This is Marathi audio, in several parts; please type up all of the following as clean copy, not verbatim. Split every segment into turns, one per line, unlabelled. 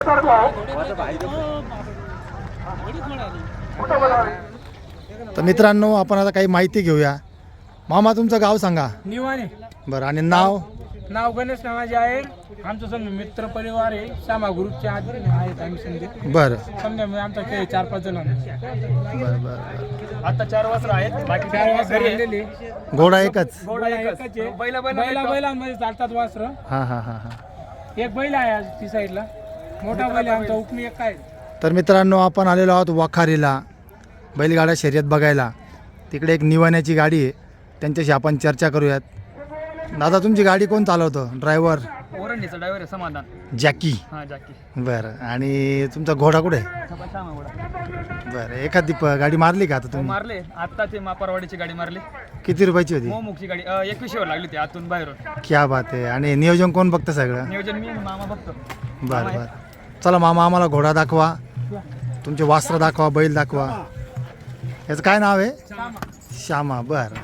तर मित्रांनो आपण आता काही माहिती घेऊया. मामा तुमचं गाव सांगा.
निवाने.
बरं आणि नाव?
नाव गणेश नावाचे आहे. आमचं समजा मित्र परिवार आहे. श्यामा ग्रुपचे आहेत आम्ही समजे.
बरं
समजा मी आमचा खेळ 4-5 जण
बरं बरं.
आता 4 वासरं आहेत. बाकी 4 वासरं राहिलेले.
घोडा एकच?
घोडा एकच आहे. बैलांमध्ये चालतात वासरं.
हां हां हां हां.
एक बैल आहे आज ती साईडला. मोठा बैल आहे आमचा उपमी एक आहे.
तर मित्रांनो आपण आलेलो आहोत वाखारीला बैलगाडा शर्यत बघायला. तिकडे एक निवाण्याची गाडी आहे, त्यांच्याशी आपण चर्चा करूयात. दादा तुमची गाडी कोण चालवतं? ड्रायव्हर?
ओरंडीचा ड्रायव्हर आहे समाधान.
जॅकी?
हां जॅकी.
बरं. आणि तुमचा घोडा कुठे आहे? बरं. एखादी गाडी मारली का आता तुम्ही?
मारले आता ते मापारवाडीची गाडी मारली.
किती रुपयाची होती?
मोमुखची गाडी 21 वर लागली होती आतून बाहेरून.
क्या बात आहे. आणि नियोजन कोण बघतं सगळं?
नियोजन मी आणि मामा बघतो.
बरं बरं. चला मामा आम्हाला घोडा दाखवा, तुमचे वास्त्र दाखवा, बैल दाखवा. याचं काय नाव आहे? श्यामा. बरं.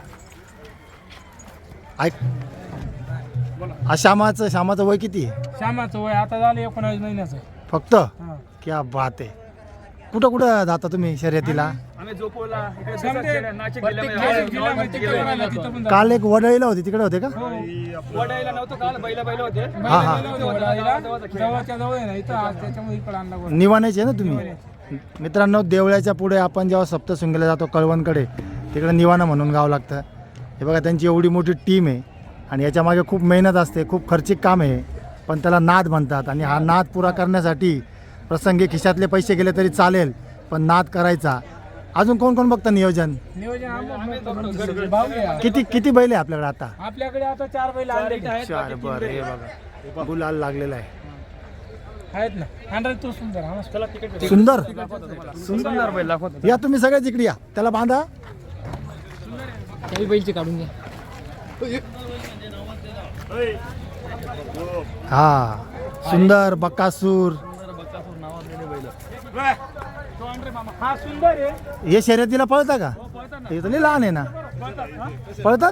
ऐक, श्यामाचं वय किती आहे?
श्यामाचं वय आता झालं 19 महिन्याचं
फक्त? क्या बात आहे. कुठं कुठं जाता तुम्ही शर्यतीला?
आम्ही झोपवला नाशिक जिल्ह्यामध्ये.
काल एक वडळीला होती, तिकडे होते का?
वडायला नव्हतं काल, बैल होते.
हां हां.
जवळच्या जवळ आहे ना इथं, त्याच्यामुळे इकडे आणला.
निवाण्याचे ना तुम्ही? मित्रांनो देवळ्याच्या पुढे आपण जेव्हा सप्तशृंगीला जातो कळवणकडे, तिकडे निवाणा म्हणून गाव लागतं. हे बघा त्यांची एवढी मोठी टीम आहे आणि याच्यामागे खूप मेहनत असते, खूप खर्चिक काम आहे, पण त्याला नाद म्हणतात. आणि हा नाद पुरा करण्यासाठी प्रसंगी खिशातले पैसे गेले तरी चालेल, पण नाद करायचा. अजून कोण कोण बघतं नियोजन? किती किती बैल आहे आपल्याकडे आता?
आपल्याकडे आता 4 बैल आहेत.
4. बरं. हे बघा गुलाल लागलेला आहे.
आहेत ना. हँडल तो सुंदर.
सुंदर
सुंदर बैल दाखवतो.
या तुम्ही सगळ्याच इकडे या, त्याला बांधा.
काही बैलचे काढून घ्या.
हा सुंदर बकासूर.
हा सुंदर आहे.
हे शर्यतीला पळता का? हे तर लई लहान आहे ना. पळतात?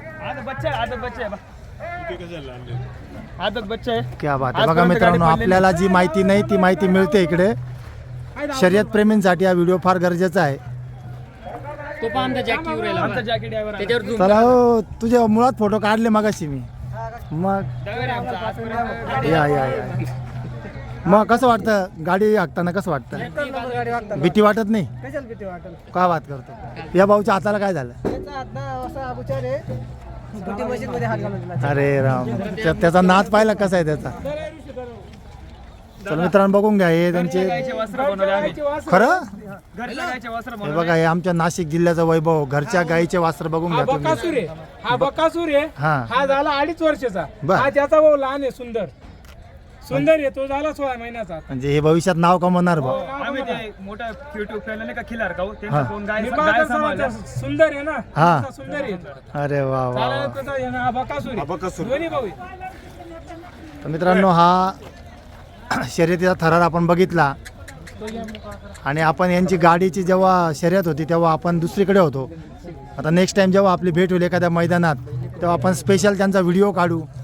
आदत बच्चा आहे.
क्या बात आहे. बघा मित्रांनो आपल्याला जी माहिती नाही ती माहिती मिळते इकडे. शर्यत प्रेमींसाठी हा व्हिडिओ फार गरजेचा आहे.
तो पण आमचा जॅकी उरेला. आमचा जॅकी ड्रायव्हर आहे. त्याच्यावर
चला हो, तुझ्या मुळात फोटो काढले मगाशी मी. मग या या या. मग कसं वाटतं गाडी हाकताना? कसं वाटतं? भीती वाटत नाही? काय बात करतो? या भाऊच्या हाताला काय झालं? अरे राम, त्याचा नाच पाहिला कसा आहे त्याचा? चला मित्रांनो बघून घ्या. हे त्यांचे खरं हे बघा, हे आमच्या नाशिक जिल्ह्याचा वैभव, घरच्या गाईचे वस्त्र बघून घ्या तुम्ही.
हा बकासूर आहे. हा झाला 2.5 वर्षाचा. हा त्याचा भाऊ लहान आहे. सुंदर सुंदर आहे. तो झाला 16 महिन्याचा.
म्हणजे हे भविष्यात नाव कमवणार भाऊ.
मोठा युट्यूब चॅनल आहे का खिलार का, सुंदर आहे ना.
हा
सुंदर आहे.
अरे वा वा.
बकासूर दोन्ही भाऊ.
तर मित्रांनो हा शर्यतीचा थरार आपण बघितला. आणि आपण यांची गाडीची जेव्हा शर्यत होती तेव्हा आपण दुसरीकडे होतो. आता नेक्स्ट टाइम जेव्हा आपली भेट होईल एखाद्या मैदानात, तेव्हा आपण स्पेशल त्यांचा व्हिडिओ काढू.